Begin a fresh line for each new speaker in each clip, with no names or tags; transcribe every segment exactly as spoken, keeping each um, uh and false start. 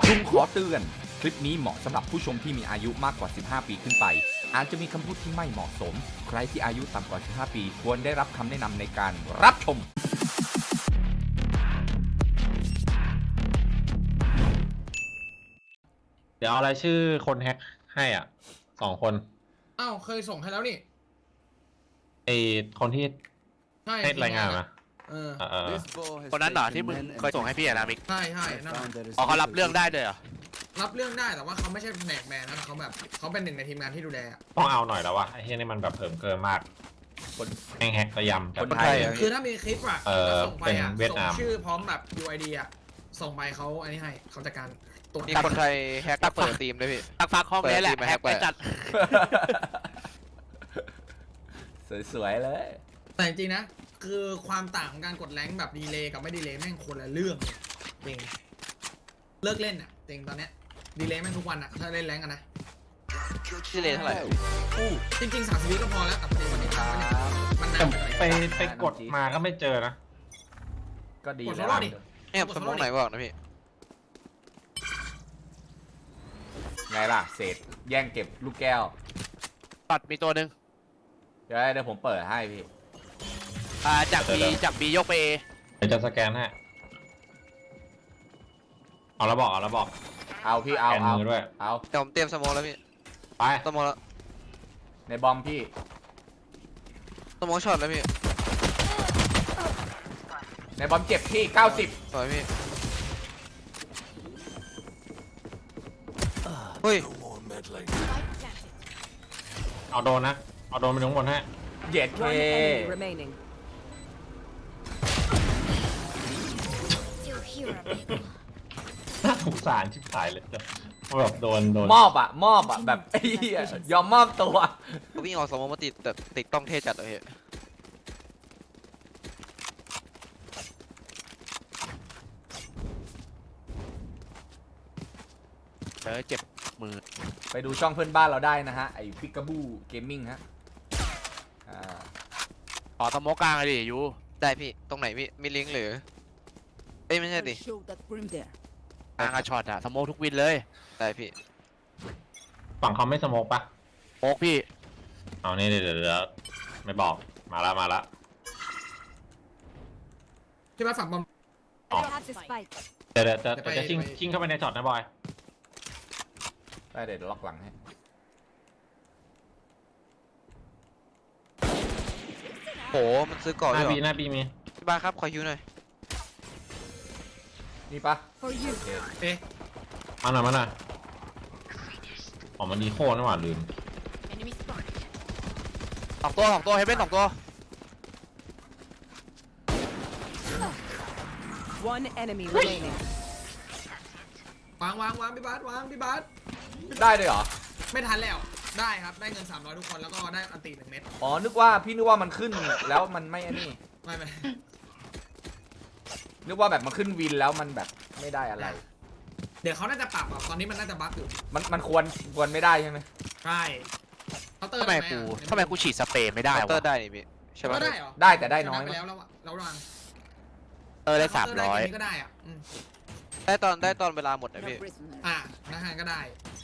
ลุงขอเตือนคลิปนี้เหมาะสำหรับผู้ชมที่มีอายุมากกว่าสิบห้าปีขึ้นไปอาจจะมีคำพูดที่ไม่เหมาะสมใครที่อายุต่ำกว่าสิบห้าปีควรได้รับคำแนะนำในการรับชม
เดี๋ยวเอารายชื่อคนแฮกให้อ่ะสองคน
อ้าวเคยส่งให้แล้วนี่
ไอคนที่
ใช่
ให้รายงานมา
เออ
เออเออ
คนนั้นเหรอที่มึงเคยส่งให้พี่อะนะมิก
ใช่ใช่นั่นแหละ
อ๋อเขารับเรื่องได้เลยเหรอ
รับเรื่องได้แต่ว่าเขาไม่ใช่แผนกแมนนะเขาแบบเขาเป็นหนึ่งในทีมงานที่ดูแลอะ
ต้องเอาหน่อยแล้ววะไอ้เฮียนี่มันแบบเผิมเกินมากคนแฮงแฮกระยำจัด
คนไทย
คือถ้ามีคลิปอะ
เออ
แล้วส่งไปอะ
เป็นเวียด
ส่ง
นาม
ชื่อพร้อมแบบ ยู ไอ ดี อะส่งไปเขาอันนี้ให้เขาจัดการตรวจ
มีคนไทยแฮกเปิดทีมด้วยพี่
ตักฟักห้องนี้แหละ
เปิดทีมมา
แฮ
แฮ
ก
ก
ไป
ไป
จัด
สวยๆเลย
แต่จริงๆนะคือความต่างของการกดแรงค์แบบดีเลย์กับไม่ดีเลย์แม่งคนละเรื่องเลยจริงเลิกเล่นอะจริงตอนเนี้ยดีเลย์แม่งทุกวันอะถ้าเล่นแรงค์อะนะ
ชื่อเลนเท่าไหร่
อู้จริงๆสามสิบวิก็พอแล้วแต่ประเด็นวันนี้มันเนี่ยมัน
แต่
นานไปห
ไป
น่อย
ไปกดมาก็ไม่เจอนะ
ก็ดี
กด
แล้
โซ
ว
โล่ดิ
เนี่ยสมองไหนบอกนะพี่
ไงล่ะเศษแย่งเก็บลูกแก้ว
ปัดมีตัวหนึ่ง
เดี๋ยวเดี๋ยวผมเปิดให้พี่
อ่าจากบีจากบียกไปเอ
เดี๋ยวจะสแกนให้เอาแล้วบอกเอาแล้วบอก
เอาพี่เอา
แกน
เอา
มือด้วย
เอา
เดี๋ยวผมเตรียมสมองแล้วพี่
ไป
สมองแล้ว
ในบอมพี่
สมองช็อตแล้วพี่
ในบอมเจ็บพี่เก้าสิบ
สวยพี่เฮ้ย
เอาโดนนะเอาโดนไปถึงบนให้
เย็ดเค
One enemy remaining.
น่าสงสารชิบหายเลยแบบโดนโดน
มอบอะมอบอะแบบไอ้เหี้ยยอมมอบตัว
เขาวิ่งออกสมองมาติดแต่ติดต้องเทจัดเลยพี่
เออเจ็บมือ
ไปดูช่องเพื่อนบ้านเราได้นะฮะไอ้พิกาบูเกมมิ่งฮะอ่า
ต่อสโมกกลางเลยดิยู
ได้พี่ตรงไหนพี่มีลิงก์หรือเอ้ยไม่ใช่ดิ
Show that brim there.
กลางอะช็อตอะสโมกทุกวินเลย
ได้พี่
ฝั่งเขาไม่สโมกปะ
โอ๊กพี่
เอานี่เดี๋ยวเดี๋ยวเดี๋ยวไม่บอกมาละมาละ
ที่มาฝั่งบอม
อ๋อ
Have the spike.
เดี๋ยวเดี๋ยวจะ
เดี๋ยวไป
จะชิง
ไป
ชิงเข้าไปในช็อตนะบอย
ได้เดี๋ยวล็อกหลังให้
โหมันซื้อก่อน
ห
ด้
น้า
วย
บี
เหรอ
หน้าบีมี
พี่บ้าสครับขอฮิวหน่อย
นี่ปะ
For you.
โอเค
เอ๊ะ
มาหน่อยมาหน่อยอ๋อมันดีโค่นี่หว่าลืม
Enemy spotted.
สองตัวสองตัวเฮเบนสองตัว
One enemy remaining.
วางวางวางพี่บาสวางพี่บาส
ได้เลยเหรอ
ไม่ทันแล้วได้ครับได้เงินสามร้อยทุกคนแล้วก็ได้อันตีหนึ่งเม็ด
อ๋อนึกว่าพี่นึกว่ามันขึ้นแล้วมันไม่อันนี้
ไม่ไม่
นึกว่าแบบมันขึ้นวินแล้วมันแบบไม่ได้อะไร
เดี๋ยวเขาน่าจะปรับอ่ะตอนนี้มันน่าจะบั๊กอยู่
มันมันควรควรไม่ได้ใช่ไหม
ใช่เคาน์เตอร์
ทำไม
ด้ห
กู
อะ
ทำไมกูฉีดสเปรย์ไม่ได้
เคาน์เตอ
วะ
ร์ได้นี่พี่ใช่
ก็
ปะ
ได้เหรอ
ได้แต่ได้น้อย
ชะไป
มั้ย
แล้วแล้วอะแล้วรัง
เออได้สามร้อย
เคน์เตก็ได้อ่ะอืม
ได้ตอนได้ตอนเวลาหมดนะ
No
พี่
prisoner.
อ่ะนะฮะก็ได้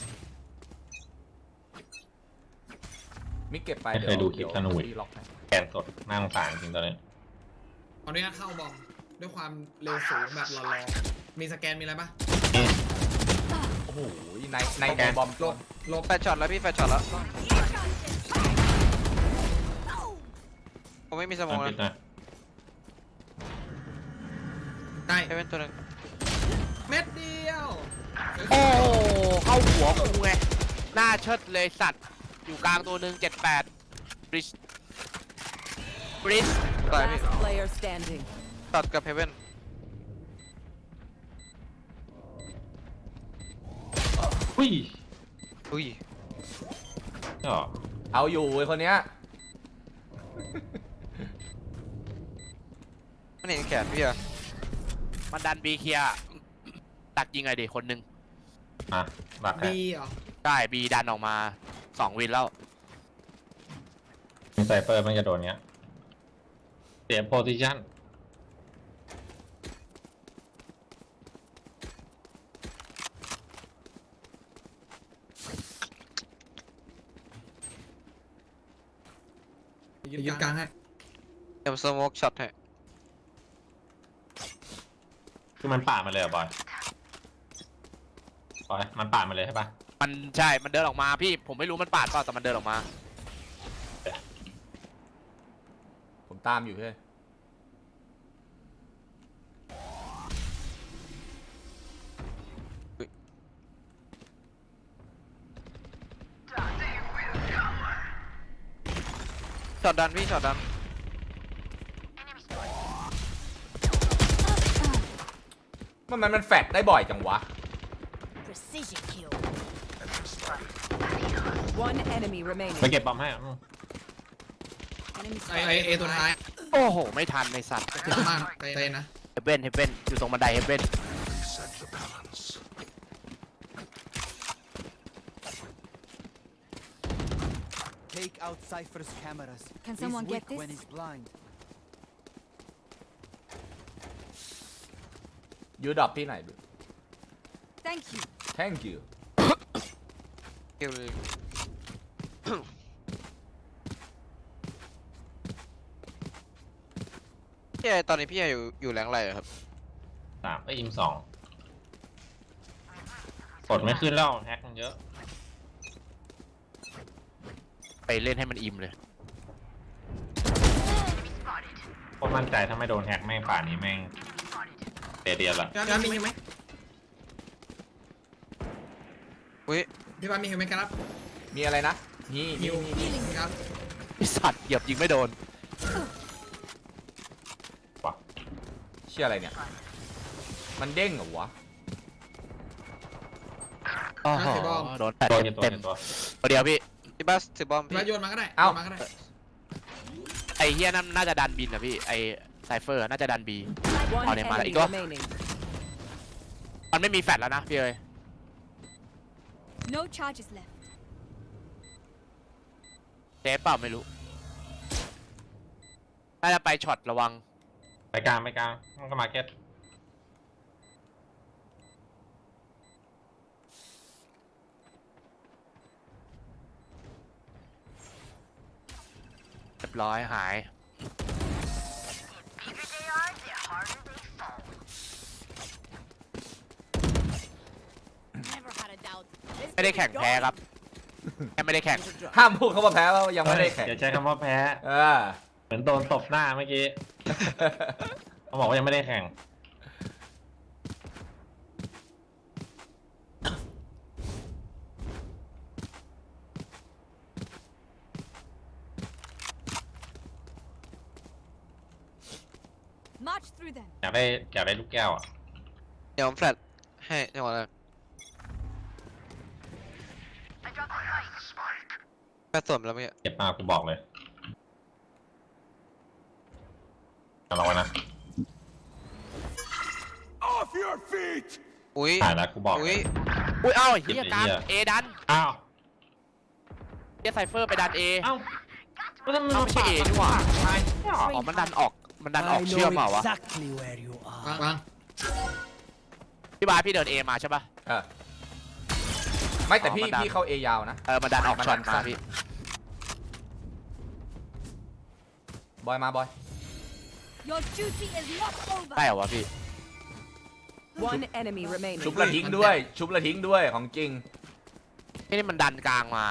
มิกเก็บไป
ไม่เคยดูคลิปธนูอีก
พี่ล็อกให้
แกนสดน่าสงสารจริงตอนนี้
ตอนนี้เข้าบอมด้วยความเร็วสูงแบบรอๆมีสแกนมีอะไรปะ
โอ้โหในในในบอม
ล
ล
บบ ลบ
แฟชช็อตแล้วพี่แฟชช็อตแล้วผมไม่มีสม
มั
อน ง
ปิด
นะ
นะ
ได้
ให้เป็นตัวหนึง
เม็ดเดียว
โอ้โหเข้าหัวกูไงหน้าเชิดเลยสัตว์อยู่กลางตัวหนึ่งเจ็ดแปดบริชบริช
ตายพี่
Last player standing.
ตัดกับเฮเว่น
อุ้ย
อุ้ย
นี่หรอ
เอาอยู่ไอ้คนเนี้ย
มันเห็นแขนพี่อะ
มันดันบีเคลียร์ตักยิงไงดิคนหนึ่ง
อ่ะหลักแค่
ดีเหรอ
ได้บีดันออกมาสองวินแล้ว
มีไซเฟอร์มันจะโดนเงี้ยเสียโพซิชั่น
ยึดกลางให้
เดี๋ยวสโมกช็อตให้
คือมันป่าดมาเลยเหรอบอยบอยมันป่าดมาเลยใช่ปะ
มันใช่มันเดินออกมาพี่ผมไม่รู้มันปาดเปล่าแต่มันเดินออกมา
ผมตามอยู่เฮ้ย
ช็อตดันพี่ช็อตดัน
มันมันมันแฟดได้บ่อยจังวะ
Precision kill. One enemy
ไป
remaining.
เก็บบอมให้อืม
Enemy
ไอไอเอตัวท้าย
โอ้โหไม่ทันในสัตว์
เจ็บมากเตะนะ
เฮเบนเฮเบนอยู่ตรงบันไดเฮเบน
Take out Cypher's cameras.
Can
He's
someone
weak
get this?
when he's blind.
ยูดรอปที่ไหนดู
Thank you.
thank you
คิวเลยพี่ไอตอนนี้พี่ไออยู่อยู่แรงอะไรอะครับ
สามไอ้อิมสองกดไม่ขึ้นแล้วแฮกมันเยอะ
ไปเล่นให้มันอิ่มเลย
โคตรมั่นใจถ้าไม่โดนแฮกแม่งป่านนี้แม่งเดียดละ
พี่บ้านมีเห็นไหม
อุ้ย
พี่บ้านมีเห็นไหมครับ
มีอะไรนะนี่
ฮิ
นี่
ว
นี่
ครับ
ไอสัตว์เหยียบยิงไม่โดน
ว่ะ
เชื่ออะไรเนี่ย มันเด้งเหรอวะ
โอ้โหโดนแปด
ตัว
เต็
กี่
ม
ตัว
เต็ม
กี่ตัว
ตัวเดียวพี่
พี่บัสถือบอม
พี่
พี่
บ้านโยนมาก็ได้
เอ้า
โยนมาก็ได้
ไอเฮียนั่นน่าจะดันบินอะพี่ไอไซเฟอร์น่าจะดันบี
One
Oh, never mind.
enemy
Ikaw?
remaining.
มันไม่มีแฟลชแล้วนะพี่เอ้ย
No charges left.
เซฟเปล่าไม่รู้น่าจะไปช็อตระวัง
ไปกลางไปกลางมันก็มาเก็ต
เรียบร้อยหาย
Never had a doubt.
ไม่ได้แข่งแพ้ครับแค่ไม่ได้แข่ง
ห้ามพูดเขาว่าแพ้ว่ายังไม่ได้แข่ง
อย่าใช้คำว่าแพ้
เออ
เหมือนโดนตบหน้าเมื่อกี้เขาบอกว่ายังไม่ได้แข่ง
March through them.
อยากได้อยากได้ลูกแก้วอ่ะ
เดี๋ยวผมแฟลชให้จังหวะนั้นแฟลชสวมแล้วเมื่อกี้
เจ็บมากกูบอกเลยเอาลองไว้นะ
อุ้ย
ถ่ายแล้วกูบอกเล
อุ้ย
ย
อุ้ยเอ้าไอ้เฮียกลาง
เหี้ย
เอดัน
อ้าว
เฮียไซเฟอร์ไปดันเอ
เอ้าก็ทำไม
เอ้าไม่ใช่เอนี่หว่า
ตายไม่ออก
อ๋อมันดันออกมันดันออกเชื่อมเปล่าวะ
exactly where you
วาง
are.
วาง
พี่บาสพี่เดินเอมาใช่ปะ
เออ ไม่แต่พี่
อ๋อมันดัน
พี่เข้าเอยาวนะ
เออมันดันออก
มันดั
ช็อต
น
มา
สั้น
พี่
บอยมาบอย
Your duty is not over.
ได้เหรอวะพี่
One enemy remaining.
ชุบละทิ้งด้วย ชุบละทิ้งด้วยของจริง
นี่มันดันกลางมา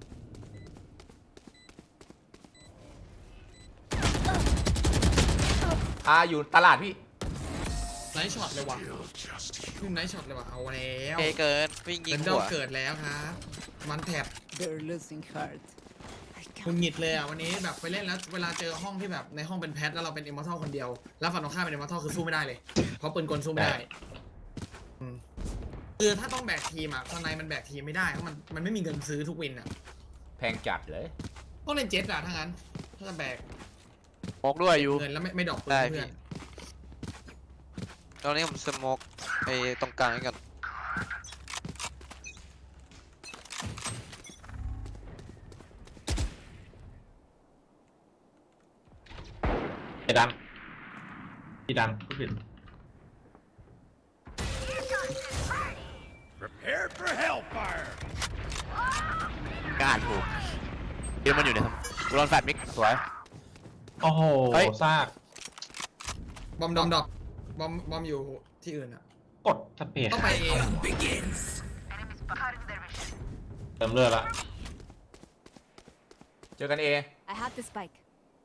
อ่าอยู่ตลาดพี่
ไนท์ช็อตเลยว่ะขึ้นไนท์ช็อตเลยว่ะเอาแล้ว
เอเกินวิ่งยิ
เป็
ง
นด
หั
อ
ว
กเกิดแล้วครับมันแถบ
They're losing heart. I
คุณหงิดเลยอ่ะวันนี้แบบไปเล่นแล้วเวลาเจอห้องที่แบบในห้องเป็นแพทแล้วเราเป็นเอมอร์ทัลคนเดียวแล้วฝั่งตรงข้ามเป็นเอมอร์ทัลคือสู้ไม่ได้เลยเพราะปืนกลสู้ไม่ได้อืมคือถ้าต้องแบกทีมอ่ะตอนในมันแบกทีมไม่ได้เพราะมันมันไม่มีเงินซื้อทุกวินอ่ะ
แพงจัดเลย
ต้องเล่นเจ็ตอ่ะถ้างั้นถ้าจะแบก
โมกด้วยอยู่
เงินแล้วไม่ไม่ดอกปืน
ได้
เพื่
พี่
อน
ตอนนี้ผมสโมกไอ้ตรงกลางให้กัน
ไอ้ดันพี่ดันผู้ผิด
กล้าถูกเดี๋ยวมันอยู่ในกูโดนแฟลชมิกสวย
โอ้โห
เฮ้ย
ซาก
บอมดอมดรอปบอมบอมอยู่ที่อื่นอ่ะ
กดสเปซ
ต้องไปเอง
เติมเลือดละ
เจอกันเอ
I have the spike.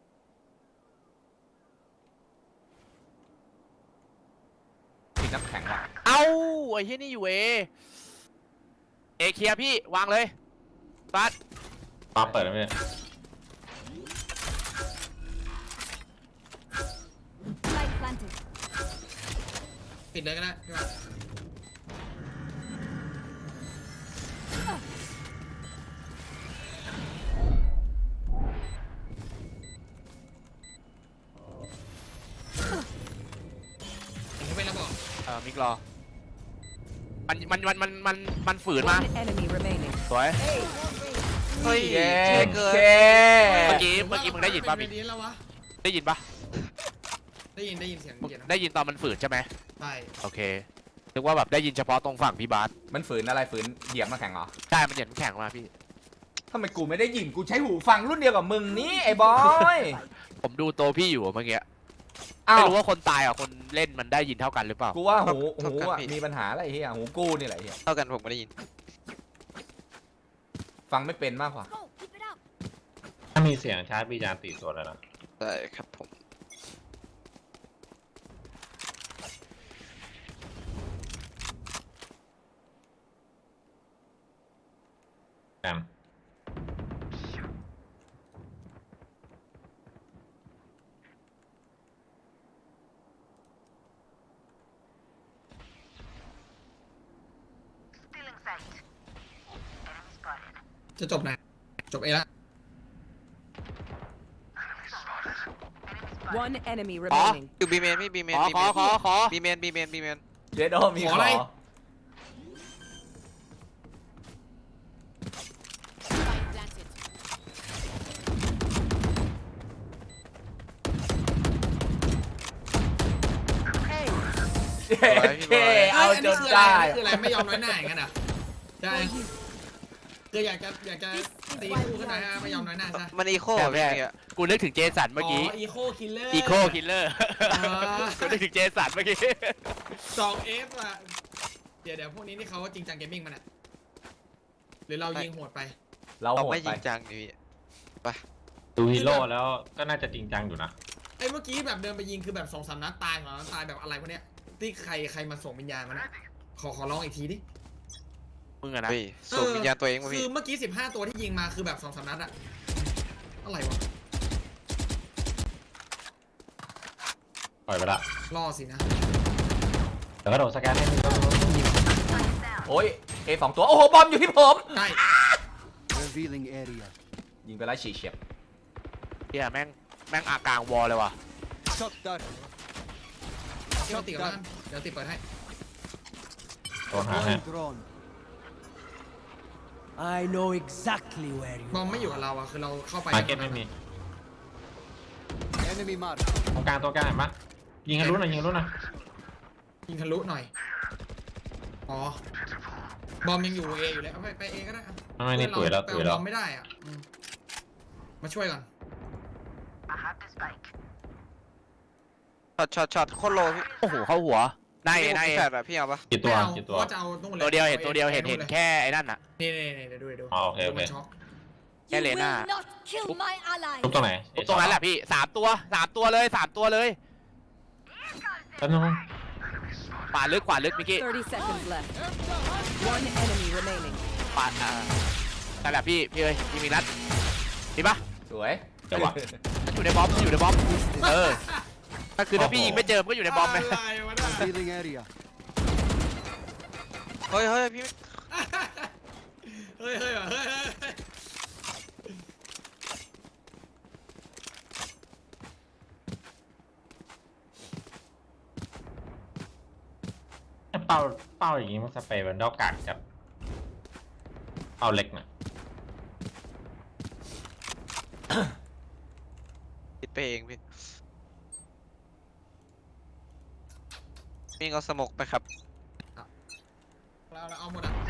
ติดน้ำแข็งว่ะ
เอ้าไอ้ที่นี่อยู่เอเอเคลียร์พี่วางเลยบัส
ปาเปิดแล้วเนี่ย
Spike planted.
ปิดเลยก็ได้พี่ว่าเห็นเขาเป็นระบอก
เออมิกรอมันมันมันมันมันมันฝืนมา
One enemy remaining.
สวย
เฮ้ย
เย้
เจ๊เกิน
เค
เมื่อกี้เมื่อกี้มึงได้ยินป่ะ
เป็
มิก
นนี้แล้ววะ
ได้ยินป่ะ
ได้ยินได้ยินเสียง
มึง
เกียร์นะ
ได้ยินตอนมันฝืนใช่ไหม
ใช่
โอเคนึกว่าแบบได้ยินเฉพาะตรงฝั่งพี่บาส
มันฝืนอะไรฝืนเหยียบน้ำแข็งเหรอ
ใช่มันเหยียดน้ำแข็งมาพี่
ทำไมกูไม่ได้ยินกูใช้หูฟังรุ่นเดียวกับมึงนี่ไอ้บอย
ผมดูโตวพี่อยู่เมื่อกี้
อ้า
ไม่
ว
รู้ว่าคนตายกับคนเล่นมันได้ยินเท่ากันหรือเปล่า
กูว่าหู
เท่า
หู
กัน
อ่ะ
พี่
มีปัญหาอะไรเฮียหูกูนี่แหละเฮีย
เท่ากันผมไม่ได้ยิน
ฟังไม่เป็นมากกว่า
Go, keep it up.
ถ้ามีเสียงชาร์จบีจานตีตัวแล้วนะ
ได้ครับผม
แอม
จะจบไหนจบเอละ
One enemy remaining.
อยู่บีเมนพี่บีเมน
ขอ
บี
ข
เม
อน ขอขอ
บีเมนบีเมนบีเมน
เจโดมีขอ
Spike planted.
เย้เคเอาจนได้
อันนี้คืออะไรไม่ยอมน้อยหน้าอย่างนั้นอ่ะใช่คืออยากจะอยากจะตีคู่ขึ้นมาฮะไม่ยอมน้อยหน้าใช่
มันอีโค
ใช่
พี่
ใช่
เมื่อกี้
กูนึกถึงเจสันเมื่อกี้
อีโคคิลเลอร์
อีโคคิลเลอร์
อ่า
กูนึกถึงเจสันเมื่อกี้
สองเอฟอ่ะเดี๋ยวเดี๋ยวพวกนี้นี่เขาจริงจังเกมมิ่งมันอ่ะหรือเรายิงโหดไป
เรา
เรา
โหด
ไม่
ไป
จริงจังดิพี่
ดูฮีโร่แล้วก็น่าจะจริงจังอยู่นะ
ไอ้เมื่อกี้แบบเดินไปยิงคือแบบสองสามนัดตายสองนัดตายแบบอะไรพวกเนี้ยที่ใครใครมาส่งวิญญาณมันนะขอขอร้องอีกทีดิ
มึงอะนะ
เฮ้ยส่งวิญญาณตัวเองมา
คื
พี่
อเมื่อกี้สิบห้าตัวที่ยิงมาคือแบบสองสามนัดอะอะไรวะ
ปล่อยไปละ
ล่อสินะ
เดี๋ยวก็โดดสแกนให้มึงยิง
โอ้ยเอสองตัว โอ้โห บอมอยู่ที่ผม
ใช่
Revealing area.
ยิงไปแล้วฉีกเฉียบ
เฮียแม่งแม่งอากลางวอลเลยว่ะ
Shot down.
เดี๋ยวติดกับบ้านเดี๋ยวติดเปิดให้
โดนหาให้
Deploying drone. I know exactly where you
บอมไม่อยู่กับเราอะคือเราเข้าไป
มาร์เก็ตไม่มี
Enemy mark.
ตรงกลางตัวกลางเห็นปะยิงให้รู้หน่อยยิงให้รู้หน่อย
ยิงทะลุหน่อยอ๋อบอมยังอยู่เออยู่เลยเอาไปไปเอก็ได้อะ
ไม่นี่ตุ๋ยแล้ว
ไป
ตุ๋ย
เอา
แล้
บ
ว
อมไม่ได้อ่ะอืมมาช่วยก่อน
ช็อตช็อตช็อตโคตรโลพี่
โอ้โหเข้าหัวได้
พี่
ได้
ผมแฟดอะพี่เอาปะ
กี่ตัว
ไม่เอา
กี่
เพ
ตัว
ราะว่าจะเอานู่นเลย
ตัวเดียวเห็นตัวเดียวเห็นเห็น
ลย
แค่ไอ้นั่นน่ะ
นี่นี่นี่เดี๋ยวดูเดี๋ยวดู
อ๋อโอเคโอเค
ดูมันช็อก
แค่
You
เล
will
น่า
not kill my ally.
ทุบตรงไหน
ตรงนั้นแหละพี่สามตัวสามตัวเลยสามตัวเลย
แป๊บนึง
ขวาลึกขวาลึกมิกกี้
Thirty seconds left. One enemy remaining.
ขวาอ่านั่นแหละพี่พี่เอ้ยยิงมีนัดดีปะ
สวย
เดี๋ยววะ
มันอยู่ในบอมมันอยู่ในบอมเออถ้าคือถ้าพี่ยิงไม่เจอมันก็อยู่ในบอมไหม
อะไรวะน่ะ
Revealing area.
เฮ้ยเฮ้ยพี่
เฮ้ยเฮ้ยว่ะเฮ้ยเฮ้ยเฮ้ย
ถ้าเป้าเป้าอย่างงี้มันสเปรย์มันดอกกากกับเป้าเล็กน่ะ
คิดไปเองพี่มีเอาสมกไปครับ
เราเราเอาหมดอ่ะ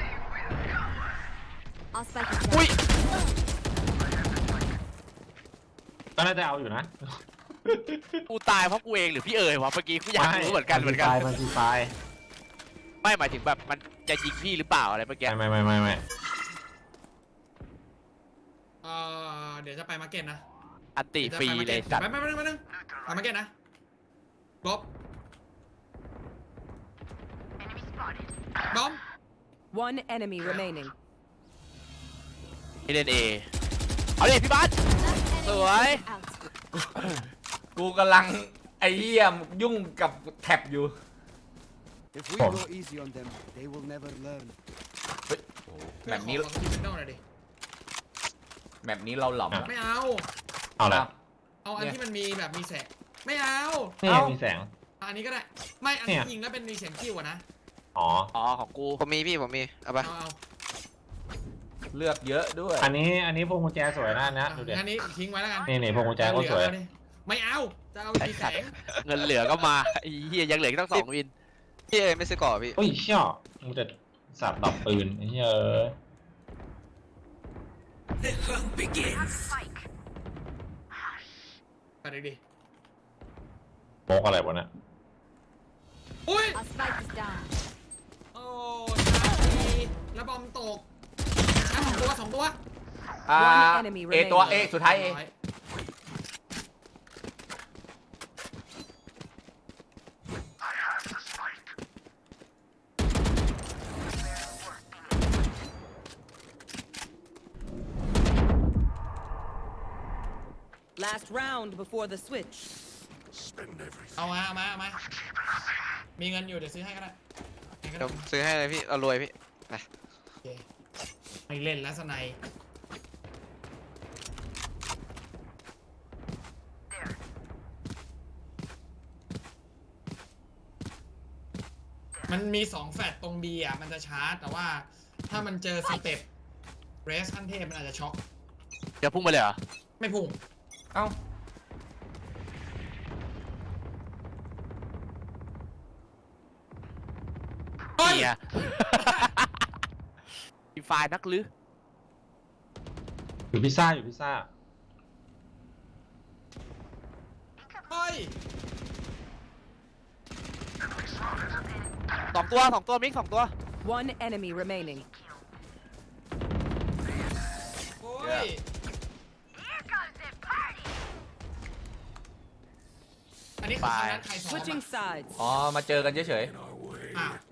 I'll spike it
อุ้ย
down.
ก็น่าจะเอาอยู่นะ
กูตายเพราะกูเองหรือพี่เอ๋ยวะเมื่อกี้กูอยากรู้เหมือนกันเหมือนกัน
มันซีไฟ
ไม่หมายถึงแบบมันจะยิงพี่หรือเปล่าอะไรเมื่อกี้
ไม่ไม่ไม่ไม่ไม่
เออเดี๋ยวจะไปมาร์เก็ตนะ
อันติฟรีเลยสัตว์
ไปไปไปไปนึงไปมาร์เก็ตนะบอมบอม
One enemy remaining.
พี่เล่นเอเอาดิพี่บัสสวย
กูกำลังไอ้เหี้ยยุ่งกับแท็บอยู่
If we go easy on them, they will never learn.
เฮ้ยโอ้โหแบบนี้
ขอขอขอหน่อยดิ
แบบนี้เราหลอม
ไม่เอา
เอาละ
เอาอัน
เนี่ย
ที่มันมีแบบมีแสงไม่เอา
นี่
เอ้า
มีแสง
อะอันนี้ก็ได้ไม่อัน
เนี่
ที่
ย
ยิงแล้วเป็นมีเสียงคิวอะนะ
อ๋อ
อ๋อของกู
ผมมีพี่ผมมีเอาไป
เอาเอา
เลือกเยอะด้วย
อันนี้อันนี้พวงกุญแจสวยนะนะดูเด็
อันนี้ทิ้งไว้แล้วกัน
นี่นี่พวงกุญแจก็สวย
เอาดิไม่เอาจะเอามีแสง
เงินเหลือก็มาไอ้เฮียยังเหลืออีกตั้งสองวิน
พี่เอไม่ซื้อก่อพี่
โอ้ยเชี่ยมึงจะสับดับปืนไอ้เหี้ยเอ้ย
ไปดิดิ
โมกอะไรวะเนี่ย
อุ้ย
Our spike is down.
โอ้ชาลีแล้วบอมตกอ่ะสองตัวสองตัว
อ่า
One enemy
เอตัวเอ
remaining
สุดท้ายเอ
ร้อย
Last round before the switch.
เอามาเอามาเอามามีเงินอยู่เดี๋ยวซื้อให้ก็ได้ให้ก็
เดี๋
ได้
ยวซื้อให้เลยพี่เรารวยพี่
โอเคไม่เล่นแล้วสไนยมันมีสองแฟลตตรง B อ่ะมันจะชาร์จ แต่ว่าถ้ามันเจอสเต็ปเรสขั้นเทพมันอาจจะช็อก
จะพุ่งไปเลยเหรอ
ไม่พุ่ง
เอ้า
เฮ้ย
เฮียอีไฟล์นักลือ
อยู่พิซซ่าอยู่พิซซ่า
เฮ้ย
สองตัวสองตัวมิกสองตัว
One enemy remaining.
โอ้ย อันนี้คือครั้งนั้นใครซ้อม
Switching
อะ
sides.
อ๋อ มาเจอกันเฉย
อ้าว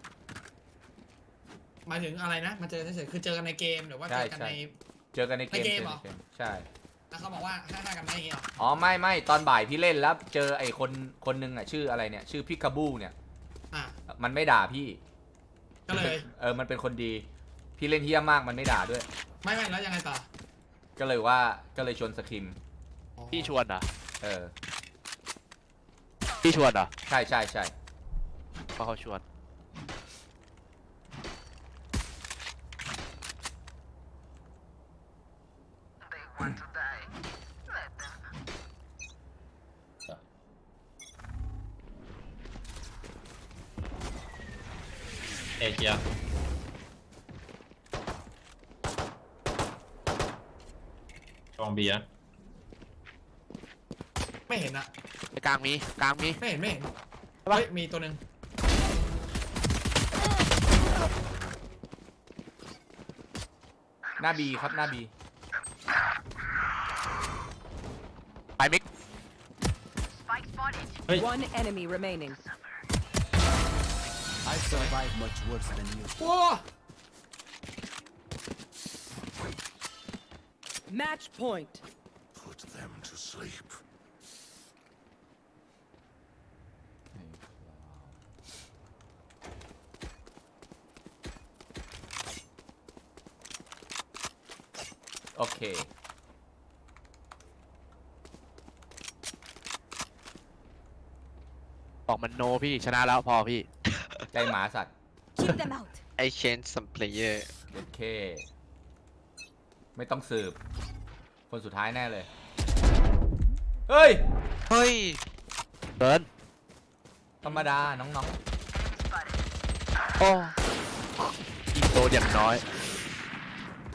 หมายถึงอะไรนะ มาเจอเฉยๆคือเจอกันในเกมหรือว่าเจอกันใน
ๆ เจอกันในเกม
ในเกมเหรอ
จในกใช่
แล้วเขาบอกว่าห้าห้ากันไหมอย่างเงี้ยเหรอ
อ๋อ ไม่ไม่ตอนบ่ายพี่เล่นแล้วเจอไอ้คนคนหนึงอ่ะชื่ออะไรเนี่ย ชื่อพิกาบูเนี่ย
อ่ะ
มันไม่ด่าพี่
ก็เลย
เออ มันเป็นคนดี พี่เล่นเฮี้ยมากมันไม่ด่าด้วย
ไม่ไม่แล้วยังไงต่อ
ก็เลยว่าก็เลยชวนสคิม
อ๋อ
พี่ชวนเหรอ
เออ
พี่ชวนเหรอ
ใช่ใช่ใช่
เพราะเขาชวน
เอเชียกองเบียร์
ไม่เห็นอะ
ในกลางมีกลางมี
ไม่เห็นไม่เห็น
ใช่ปะ
เฮ้ยมีตัวหนึ่ง
หน้าบีครับหน้าบี
ไปมิก
One enemy remaining.
I survived much worse than you.
โอ้
Match point.
Put them to sleep.
โอเค
บอกมันโนพี่ชนะแล้วพอพี่
ใจหมาสัตว์
Keep them out.
I change some player
โอเค ไม่ต้องสืบ คนสุดท้ายแน่เลย เฮ้ย
เฮ้ย
เดิน
ธรรมดา น้อง
โอ้ยิงโดนอย่างน้อย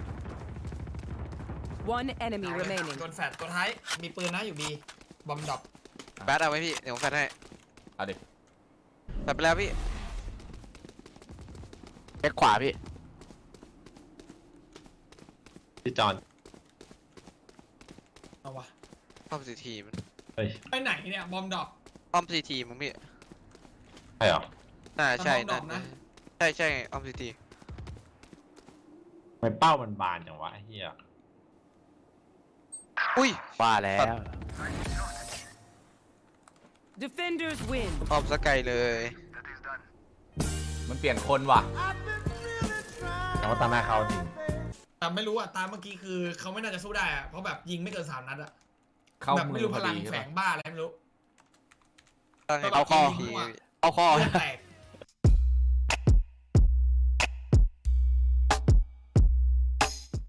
One enemy remaining.
โดนแฟดตัวท้าย มีปืนนะอยู่บีบอมดรอป
แบทเอาไว้พี่เดี๋ยวผมแฟนให้
เอาดิ
แฟนไปแล้วพี่
เอ็กขวาพี่
พี่จอน
เอาวะ
ป้อมซีทีมัน
เฮ้ย
ไปไหนเนี่ยบอมดรอป
ป้อมซีทีมึงพี่
ใช่เหรอ
น่าใช่
แต่ป้อมดร
น่า
อปนะ
ใช่ใช่ป้อมซีที
ทำไมเป้ามันบานจังวะไอ้เฮีย
อุ้ย
ว่าแล้ว
Defenders win.
ป้อมสกายเลย
มันเปลี่ยนคนว่ะ
แต่ว่าตาหน้าเขาจริง
แต่ไม่รู้อะตามเมื่อกี้คือเขาไม่น่าจะสู้ได้อะเพราะแบบยิงไม่เกินสามนัดอะ
เข้า
แบบ
มื
ไม่
อ
รู้
พ
พ
อ
ลัง
ดีใช่
แฝ
ปะ
งบ้าอะไรไม่รู้
ตั้งให้
เอา
ป้อม
ข้อ
ซีที
มั่ว
เอาคอ
เลือดแตก